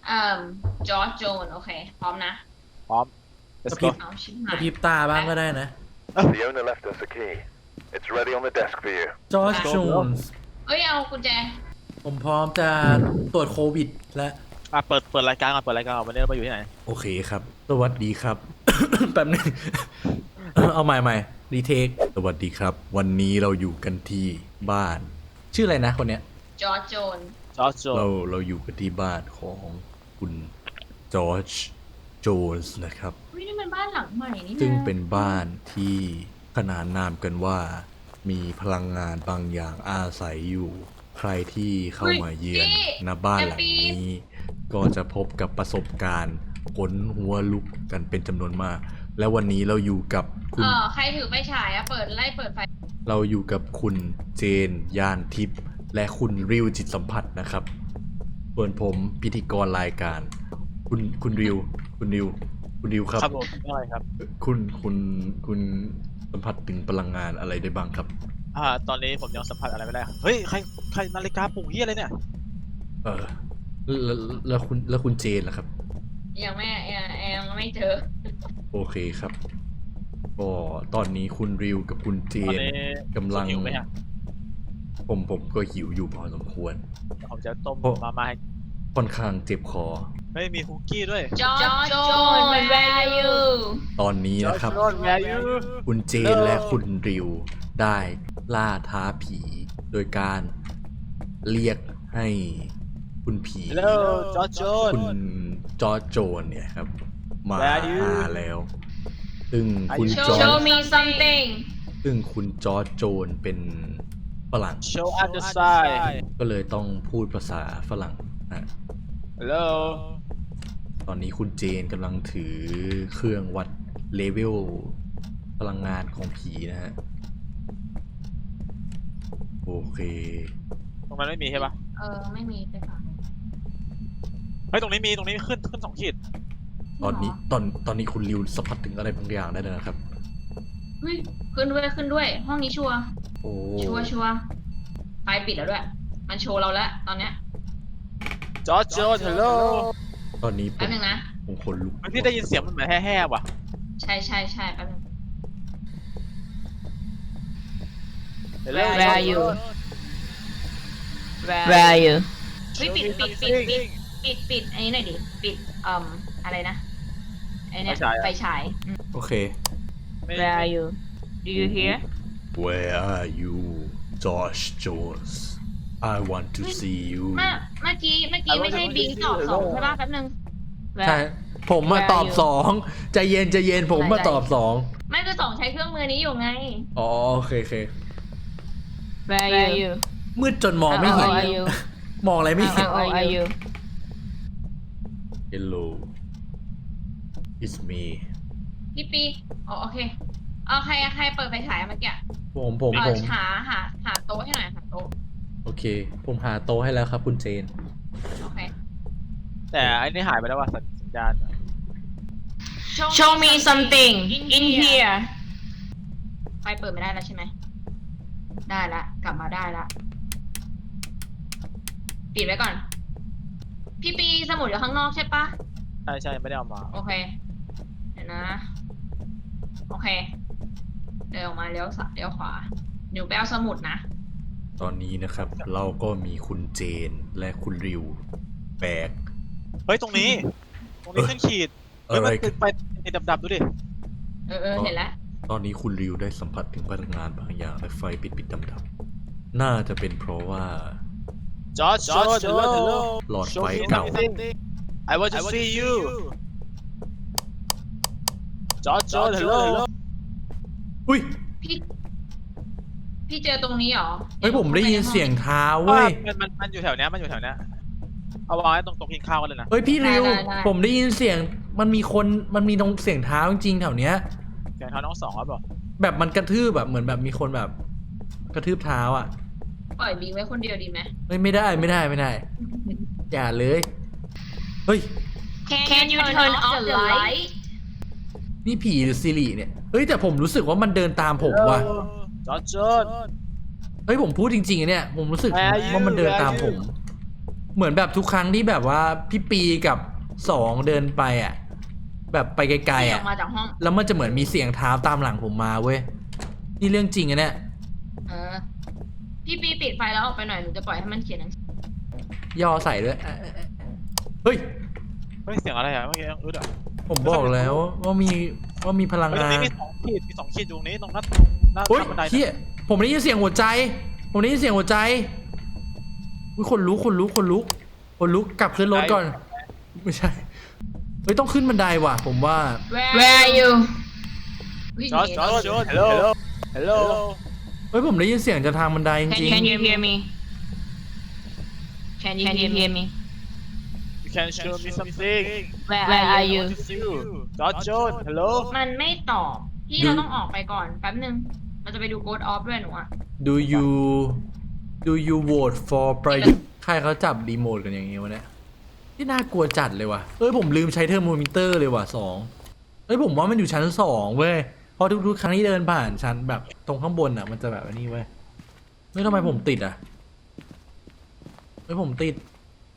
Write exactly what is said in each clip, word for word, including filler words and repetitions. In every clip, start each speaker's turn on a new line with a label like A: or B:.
A: เอ่อจอร์จโจนโอเคพร้อมนะ
B: พร้อม
C: ก
B: let's
C: ระพริ
B: go
C: บ
A: เอาชิบ
C: ก
A: หา
C: ระ
A: ย
C: พริบตาบ้างก็ได้นะ
D: The owner left us a key. It's ready on the desk for you.
C: จอร์จ
A: Let's
C: โจ
B: go
C: นส์
A: เอ้ยเอากุญแจ
C: ผมพร้อมจะตรวจโควิดและ
B: อ่ะเปิดเปิดรายการก่อนเปิดรายการก่อนวันนี้เรามาอยู่ที่ไหน
C: โอเคครับ สวัสดีครับ แป๊บนึง เอาใหม่ใหม่รีเทค สวัสดีครับ วันนี้เราอยู่กันที่บ้าน ชื่ออะไรนะคนเนี้ย
A: จอร์จโจน
B: จอร์จโจ
C: เราเราอยู่กันที่บ้านของคุณจอร์จโจนส์นะครับ
A: เฮ้ยนี่มันบ้านหลังใหม่นี่นะ
C: ซึ่งเป็นบ้านที่ขนานนามกันว่า มีพลังงานบางอย่างอาศัยอยู่ ใครที่เข้ามาเยือนณบ้านหลังนี้ ก็จะพบกับประสบการณ์ขนหัวลุกกันเป็นจำนวนมาก และวันนี้เราอยู่กับคุ
A: เอ
C: ณ
A: อใครถือไฟฉายอะเปิดไล่เปิดไฟ
C: เราอยู่กับคุณเจนยานทิพย์และคุณริวจิตสัมผัสนะครับส่วนผมพิธีกรรายการ คุณคุณริว คุณริว คุณริวครับ
B: ครับผมอะไรครับ
C: คุณคุณคุณสัมผัสถึงพลังงานอะไรได้บ้างครับ
B: อ่าตอนนี้ผมยังสัมผัสอะไรไม่ได้ครับเฮ้ยใครใครนาฬิกาปลุกเฮียอะไรเนี่ย
C: เออแล้วแล้วคุณแล้วคุณเจนล่ะครับ
A: ยังไม่ยังยังไม่เจอ
C: โอเคครับก็ตอนนี้คุณริวกับคุณเจ
B: ตอน
C: น
B: นี้
C: กำลัง
B: หิวไหมฮะ
C: ผมผมก็หิวอยู่พอสมควร
B: ผมจะต้ม
C: โอ้
B: มาม่าให้
C: ค่อนข้างเจ็บคอ
B: เฮ้ยมีคุกกี้ด้วย
A: จอร์จโจน where are you
C: ตอนนี้นะครับ
B: จอร์จโจน where are you
C: คุณเจนและคุณริวได้ล่าท้าผี โดยการเรียกให้คุณผี
B: Hello จอร์จโจน
C: คุณจอร์จโจนเนี่ยครับ มา
B: Where are you?
C: หาแล้ว ซึ่งคุณ
B: Are you
C: จอ
A: show
C: ร์จ
A: me something
C: ซึ่งคุณจอร์จโจนเป็นฝรั่ง
B: show us the sign
C: ก็เลยต้องพูดภาษาฝรั่งนะ
B: hello
C: ตอนนี้คุณเจนกำลังถือเครื่องวัดเลเวลพลังงานของผีนะฮะ โอเค
B: ตรงนั้นไม่มีใช่ปะ
A: เออไม่มีไปฝั่งนู้น
B: เฮ้ยตรงนี้มีตรงนี้ขึ้นขึ้นสองขีด
C: ตอนนี้ตอนตอนนี้คุณริวสัมผัสถึงอะไรบางอย่างได้แล้วนะครับ
A: เฮ้ยขึ้นด้วยขึ้นด้วย ห้องนี้ชัวร์
C: โอ้
A: ชัวร์ชัวร์ไฟปิดแล้วด้วย มันโชว์เราแล้วตอนเนี้ย
B: จอร์จโจน hello
C: ตอนนี้ผ
A: แป๊บ
C: ม
A: นึงนะ
C: ผมคนลุก
B: พี่ได้ยินเสียงมันเหมือนแห่ๆว่ะ
A: ใช่ใช่ใช่แป๊บนึง
B: hello
E: Where are you? Where are you?
A: เฮ้ยปิดปิดปิดปิดปิดปิดอันนี้หน่อยดิ ปิดเอ่มอะไรนะไอเนี้ยไฟฉายอืม
C: โอเค
E: Where are you? Do you hear?
C: Where are you Josh Jones I want to see you
A: เมื่อเมื่อกี้เมื่อกี้ไม่ใช่บิงตอบสองใช่ป่ะแป๊บนึง
C: ใช่ ผมมา
E: Where
C: ตอบ
E: are you?
C: สองใจเย็นใจเย็นผมมาตอบสอง
A: ไม่คือสองใช้เครื่องมือนี้อยู่ไง
C: อ๋อโอเคโอเค
E: Where are you?
C: มืดจนมองไม่
E: How
C: เห็น
E: are you?
C: มองอะไรไม่เห็น
E: How are you?
C: Hello It's me
A: พี่ปีอ๋อโอเคเอาใครใครเปิดไฟฉายเมื่อกี้
C: ผมผม
A: เอ
C: ผ
A: อ
C: ม
A: หาหาหาโต๊ะให้หน่อยหาโต๊ะ
C: โอเค ผมหาโต๊ะให้แล้วครับคุณเจน
A: โอเค
B: แต่ไอ้นี่หายไปแล้วว่ะสัญสัญญาณ
E: Show me something in here.
A: ไฟเปิดไม่ได้แล้วใช่ไหมได้ละกลับมาได้ละปิดไว้ก่อน พี่ปีสมุดอยู่ข้างนอกใช่ปะ
B: ใช่ใช่ไม่ได้เอามา
A: โอเค เดี๋ยวนะ โอเค เดินออกมาเลี้ยวซ้ายเลี้ยวขวาหนูไปเอาสมุดนะ
C: ตอนนี้นะครับ เราก็มีคุณเจนและคุณริวแบก
B: เฮ้ยตรงนี้ ตรงนี้ขึ้นขีดเฮ้ย
C: อะไร
B: มัน
C: กั
B: ขึ้
C: น
B: นไปในดำๆดูดิ
A: เออเออเห็นแล้ว
C: ตอนนี้คุณริวได้สัมผัสถึงพลังงานบางอย่างและไฟปิดปิดดำๆน่าจะเป็นเพราะว่า
B: จอร์จจอร์จ hello
C: หลอดไฟเก่า
B: I want to see you จอร์จจอร์จ hello
C: อุ้ย
A: พี่ พี่เจอตรงนี้เหรอ
C: เฮ้ยผมได้ยินเสียงเท้าเว้ย
B: มันมันมันอยู่แถวเนี้ยมันอยู่แถวเนี้ยเอาวางไว้ตรงโต๊ะกินข้าวกันเลยนะ
C: เฮ้ยพี่ริว ผมได้ยินเสียงมันมีคนมันมีตรงเสียงเท้าจริงๆแถวเนี้ย
B: เสียงเท้าน้องสองครับบอก
C: แบบมันกระทืบแบบเหมือนแบบมีคนแบบกระทืบเท้าอ่ะ
A: ปล่อยบิงไว้คนเดียวดีไหม
C: เฮ้ยไม่ได้ไม่ได้ไม่ได้ อย่าเลย เฮ้ย
A: Can you turn off the light
C: นี่ผีหรือซิริเนี่ย เฮ้ยแต่ผมรู้สึกว่ามันเดินตามผมว่ะ
B: จอร์จจอร์จ
C: เฮ้ยผมพูดจริงๆอะเนี่ย ผมรู้สึก
B: Where are you?
C: ว่ามันเดินตามผม
B: Where
C: เหมือนแบบทุกครั้งที่แบบว่าพี่ปีกับสองเดินไปอ่ะ แบบไปไกลๆ
A: อ
C: อ่ะ
A: อกมาจากห้อง
C: แล้วมันจะเหมือนมีเสียงเท้าตามหลังผมมาเว้ย นี่เรื่องจริงอะเนี่ย
A: เออ พี่ปีปิดไฟแล้วออกไปหน่อยหนูจะปล่อยให้มันเขียนหนังสือ
C: ย่อใส่ด้วยเอ้ยเฮ้ย
B: เฮ้ยเสียงอะไรอ่ะเมื่อกี้ยังอึดอ่ะ
C: ผมบอกแล้วว่ามีว่ามีพลัง
B: เฮ้ยตรง
C: งาน
B: นี้มีสองขีดมีสองขีดอยู่ตรงนี้ตรงหน้าตรงหน้า
C: เฮ้ย
B: บันได
C: เฮียผมได้ยินเสียงหัวใจ ผมได้ยินเสียงหัวใจอุ้ยคนลุกคนลุกคนลุกคนลุกกลับขึ้นรถก่อน ไม่ใช่ เฮ้ยต้องขึ้นบันไดว่ะ ผมว่า
E: Where are you
A: วิ่ง
B: จอร์จ
A: หนี
B: จอร์จฮัลโหลฮัลโหล
C: เฮ้ยผมได้ยินเสียงจากทางบันไดจ
E: Can
C: ริง
E: Can you hear me Can you Can you hear me
B: you can show me something
E: Where are you
B: จอร์จจอร์จฮัลโหล
A: มันไม่ตอบ พี่เราต้องออกไปก่อนแป๊บนึง มันจะไปดู Ghost Off ด้วยหนูอะ
C: ๆ Do you Do you vote for ประยุทธ์ใครเขาจับรีโมทกันอย่างงี้วะเนี่ยที่น่ากลัวจัดเลยว่ะเอ้ยผมลืมใช้เทอร์โมมิเตอร์เลยว่ะสองเอ้ยผมว่ามันอยู่ชั้นสองเว้ยเพราะทุกๆครั้งที่เดินผ่านชั้นแบบตรงข้างบนอ่ะมันจะแบบนี้เว้ยเฮ้ยทำไมผมติดอ่ะเฮ้ยผมติด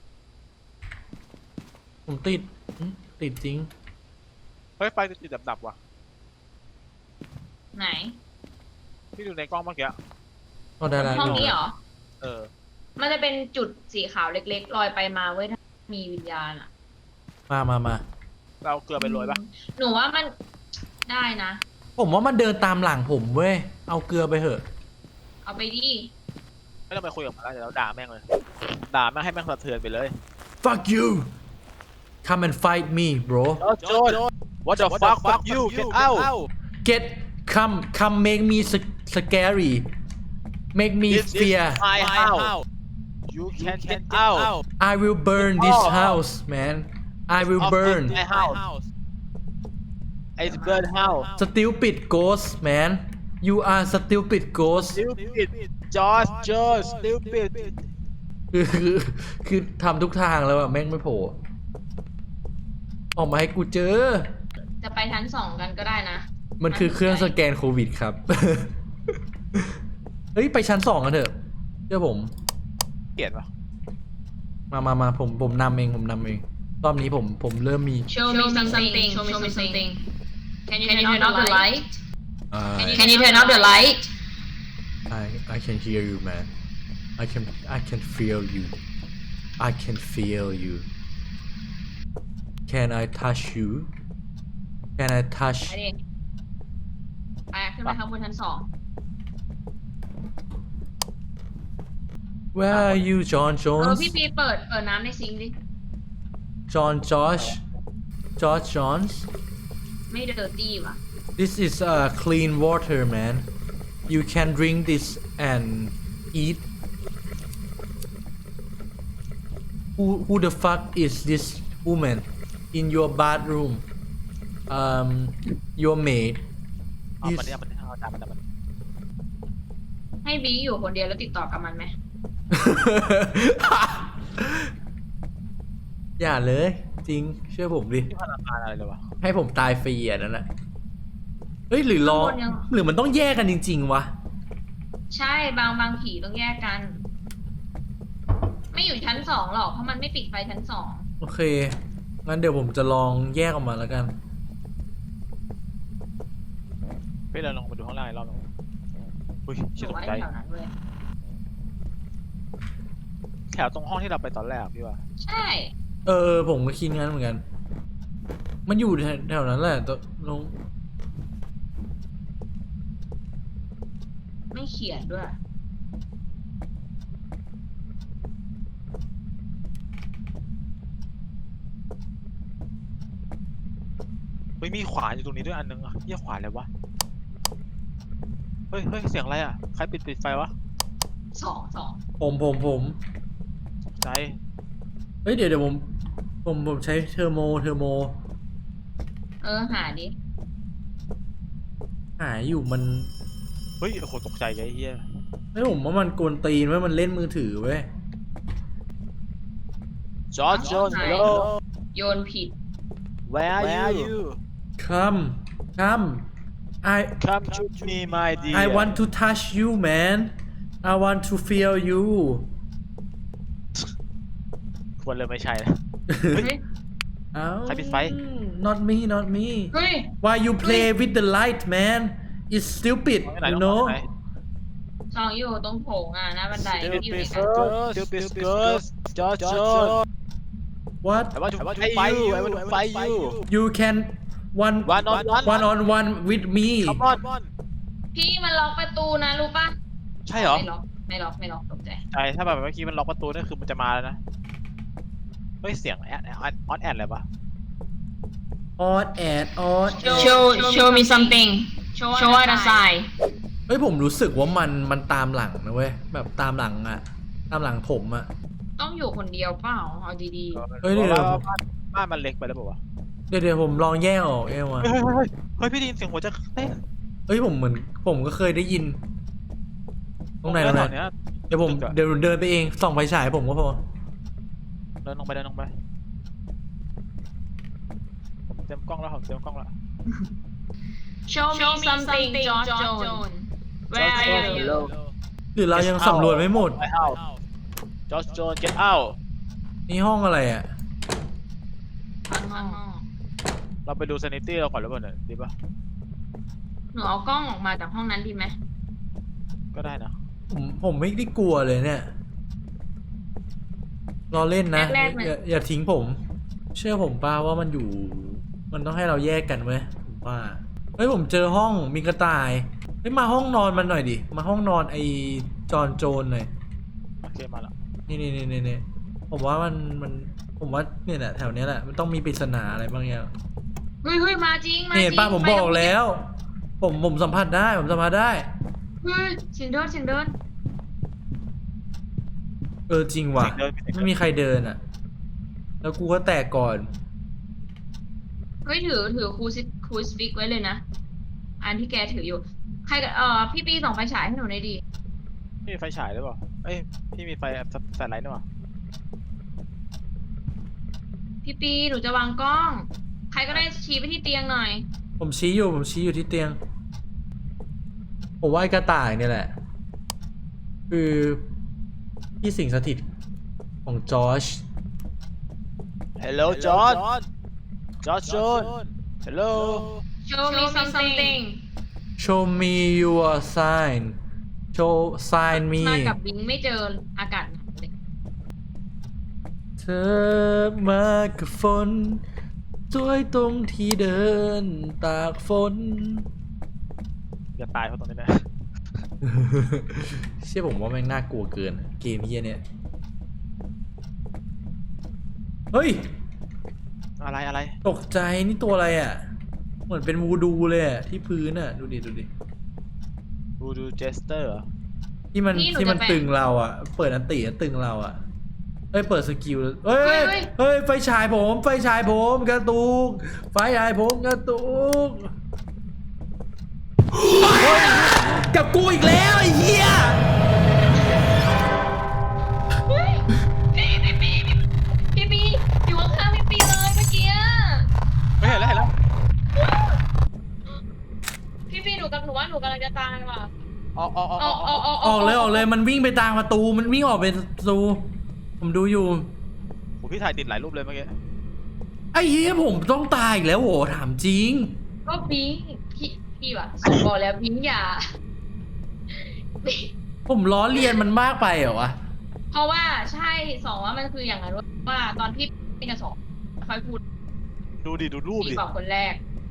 C: ผมติดอืมติดจริง
B: เฮ้ยไฟติดดับๆว่ะ
A: ไหน
B: พี่ดูในกล้องเมื่อกี้
C: ก็ได้แล้ว
A: ห้องนี้เหรอ
B: เออ
A: มันจะเป็นจุดสีขาวเล็กๆลอยไปมาเว้ยถ้ามีวิญญาณอะ
C: มามามา
B: เราเกลือไปโรยปะ
A: หนูว่ามันได้นะ
C: ผมว่ามันเดินตามหลังผมเว้ยเอาเกลือไปเถอะ
A: เอาไปดิ
B: ไม่ต้องไปคุยกับมันแล้วเดี๋ยวเราด่าแม่งเลยด่าแม่งให้แม่งสะเทือนไปเลย
C: fuck you come and fight me bro
B: จอร์จ what the fuck fuck you get out
C: get come come make me sc- scary make me
B: This is
C: fear
B: my house you can get out
C: I will burn this
B: Oh.
C: house man I will
B: Of
C: burn
B: my house it's burn house
C: stupid ghost man you are stupid ghost
B: stupid George George stupid
C: คือคือคือทำทุกทางแล้วอะแม่งไม่โผล่ออกมาให้กูเจอ
A: จะไปชั้นสองกันก็ได้นะ
C: มันคือเครื่องสแกนโควิดครับ เฮ้ย ไปชั้นสองกันเถอะเชื่อผม
B: เกลียดปะ
C: มามามาผมผมนำเองผมนำเอง รอบนี้ผมผมเริ่มมี
A: Show me something Show me something Can you turn off the light
C: I
A: Can you turn off the light
C: I I can hear you man I can I can feel you I can feel you Can I touch you Can I touch
A: ไปดิไปขึ้นไปข้างบนชั้นสอง
C: Where are you John
A: เออ
C: Jones
A: พี่ปีเปิดเปิดน้ำในซิงค์ดิ
C: John Josh George Johns
A: ไม่เดอร์ตี้ว่ะ
C: This is uh, clean water, man. You can drink this and eat. Who who the fuck is this woman in your bathroom? Um, your maid.
B: เอา
C: Is
B: มันเนี่ยมันเอาด่ามันด่ามัน
A: ให้บีอยู่คนเดียวแล้วติดต่อกับมันไหม
C: อย่าเลย จริง เชื่อผมดิ
B: ที่พลังงานอะไรเลยวะ
C: ให้ผมตายฟรีอ่ะนั่นแหละเฮ้ยหรือรอ
A: ข้างบนยัง
C: หรือมันต้องแยกกันจริง ๆ วะ
A: ใช่บางบางผีต้องแยกกัน ไม่อยู่ชั้นสองหรอกเพราะมันไม่ปิดไฟชั้นสอง
C: โอเค งั้นเดี๋ยวผมจะลองแยกออกมาแล้วกัน
B: พี่เราลงมาดูข้างล่างอีกรอบนึงอุ้ย
A: ห
B: เชี่ย
A: นู
B: ตก
A: ว่า
B: ใจ
A: แถวนั้นเลย
B: แถวตรงห้องที่เราไปตอนแรกอะพี่ว่า
A: ใช่
C: เออผมก็คิดงั้นเหมือนกัน มันอยู่แถวนั้นแหละตลง
A: ไม่เขียนด้วย
B: เฮ้ยมีขวานอยู่ตรงนี้ด้วยอันนึงอะเหี้ยขวานอะไรวะเฮ้ยเฮ้ยเสียงอะไรอะใครปิดปิดไฟวะ
A: สองสอง
C: ผมผมผม
B: ตกใจ
C: เฮ้ยเดี๋ยวเดี๋ยวผมผมผมใช้เทอร์โมเทอร์โม
A: เออหาดิ
C: หายอยู่มัน
B: เฮ้ยโอ้โหตกใจเลยไอ้เฮีย
C: ไม่ผมว่ามันกวนตีนไว้ยมันเล่นมือถือเว้ย
B: จอร์จจอร์จ hello
A: โยนผิด
B: where are you
C: come come I
B: come to me my dear
C: I want to touch you man I want to feel you
B: ควรเลยไม่ใช่นะ
A: เฮ้ย
C: เอ้า
B: ใครปิดไฟ
C: not me not me
A: เฮ้ย
C: why you play with the light man it's stupid
B: เอาไปไหน
C: you
B: น้อง
C: know
B: เอาไปไหน
A: ซองอยู่ตรงโถงอ่ะหน้าบันได
B: Stupid
A: ที่อยู่ในกัน
B: girls, stupid girls, George, George.
C: what
B: I want to fight you. I want to fight you.
C: you can one
B: One on one.
C: one on one with me
B: Come on.
A: พี่มันล็อกประตูนะรู้ปะ
B: ใช่เหรอ
A: ไม่ล็อกไม่ล็อกไม่ล็อกตกใจ
B: ใช่ถ้าแบบเมื่อกี้มันล็อกประตูนั่นคือมันจะมาแล้วนะเฮ้ยเสียงแอดออดแอดอะไรปะ
C: on and on and
E: Show show me something. Show us a sign.
C: เฮ้ยผมรู้สึกว่ามันมันตามหลังนะเว้ยแบบตามหลังอะตามหลังผมอะ
A: ต้องอยู่คนเดียวเปล่าเอาดี
C: เฮ้ยเดี๋ยว
B: พราะว่าบ้านบ้านมันเล็กไปแล้วเปล่าวะ
C: เดี๋ยวเดี๋ยวผมลองแยกออกเองว่ะ
B: เฮ้ยเฮ้ยเฮ้ยพี่ได้ยินเสียงหัวจะเต้น
C: เฮ้ยผมเหมือนผมก็เคยได้ยิน ตรงไหนตรงไหน
B: เนี้ย
C: เดี๋ยวผมเดี๋ยวเดินไปเองส่องไฟฉายผมก็พอ
B: เดินลงไปเดินลงไปผมเต็มกล้องแล้วผมเต็มกล้องแล้ว
A: ๆ Show me something George Jones Where are you
C: หรือเรายังสำรวจไม่หมด
B: ไปเอา George Jones get out
C: นี่ห้องอะไรอ่ะ
A: ข้างนอก
B: เราไปดู sanity เราก่อนหรือเปล่าเนี่ยดีป่ะ
A: หนูเอากล้องออกมาจากห้องนั้นดีไหม
B: ก็ได้นะ
C: ผมผมไม่ได้กลัวเลยเนี่ยรอเล่นนะอย่าอย่าทิ้งผม เชื่อผมป้าว่ามันอยู่ มันต้องให้เราแยกกันเว้ยผมว่าเฮ้ยผมเจอห้องมีกระต่ายเฮ้ยมาห้องนอนมันหน่อยดิมาห้องนอนไอจอนโจนหน่อย
B: โอเคมาละ
C: นี่นี่นี่นี่นี่ผมว่ามันมันผมว่าเนี่ยแหละแถวเนี้ยแหละมันต้องมีปริศนาอะไรบางอย่าง
A: เฮ้ยเฮ้ยมาจริงมาจริง
C: นี่เห็นป้าผมบอกแล้ว ผมผมสัมผัสได้ผมสัมผัสได้
A: เฮ้ยเสียงเดินเสียงเดิน
C: เออจริงว่ะ
B: เสียงเดินเสียงเดิน
C: ไม่มีใครเดินอ่ะ แล้วกูก็แตกก่อน
A: เฮ้ยถือถือครูซิครูสปิกไว้เลยนะอันที่แกถืออยู่ใครกับเอ่อพี่ปีส่องไฟฉายให้หนูหน่อยดิ
B: พี่มีไฟฉายหรือเปล่าเอ้ยพี่มีไฟแฟลชไลท์ด้วยวะ
A: พี่ปีหนูจะวางกล้อง ใครก็ได้ชี้ไปที่เตียงหน่อย
C: ผมชี้อยู่ผมชี้อยู่ที่เตียง ผมว่าไอ้กระต่ายเนี่ยแหละ คือที่สิงสถิตของจอร์จ
B: Hello George George Jones Hello
A: Show me something
C: show me your sign show sign me
A: มากับบิงไม่เจออากาศหนาวเลย
C: เธอมากับฝนสวยตรงที่เดินตากฝน
B: อย่าตายเพราะตรงนี้นะ
C: เชื่อผมว่าแม่งน่ากลัวเกินเกมเฮียเนี่ย เฮ้ย
B: อะไรอะไร
C: ตกใจนี่ตัวอะไรอ่ะ เหมือนเป็นวูดูเลยอ่ะ ที่พื้นอ่ะ ดูดิ ดูดิ
B: ดูดูเจสเตอร์
C: ที่มันที่มันตึงเราอ่ะ เปิดอันติแล้วตึงเราอ่ะ เอ้ย เปิดสกิลเอ้ย เฮ้ย ไฟฉายผม ไฟฉายผมกระตุก ไฟฉายผมกระตุกเฮ้ยกับกูอีกแล้วไอ้เหี้ย
A: เฮ้ยพี่พี่ปีพี่ปีอยู่ข้างๆพี่ปีเลยเมื่อกี้
B: ไม่เห็นแล้วเห็นแล้ว
A: พี่ปีหนูกับหนูว่าหนูกำลังจะตายว่ะ
B: ออกออกออก
A: ออกออกออก
C: ออกเลยออกเลยมันวิ่งไปทางประตูมันวิ่งออกเป็นประตูผมดูอยู่
B: โหพี่ถ่ายติดหลายรูปเลยเมื่อกี้
C: ไอ้เหี้ยผมต้องตายอีกแล้วโหถามจริง
A: ก็บิงพี่พี่ว่ะส่งบอกแล้วบิงอย่า
C: ผมล้อเลียนมันมากไปเหรอวะ
A: เพราะว่าใช่สองว่ามันคืออย่างนั้นว่าตอนพี่เป็นกับสองค่อยพูด
B: ดูดิดูรูป
A: พี่
B: ดิ
A: บอกคนแรก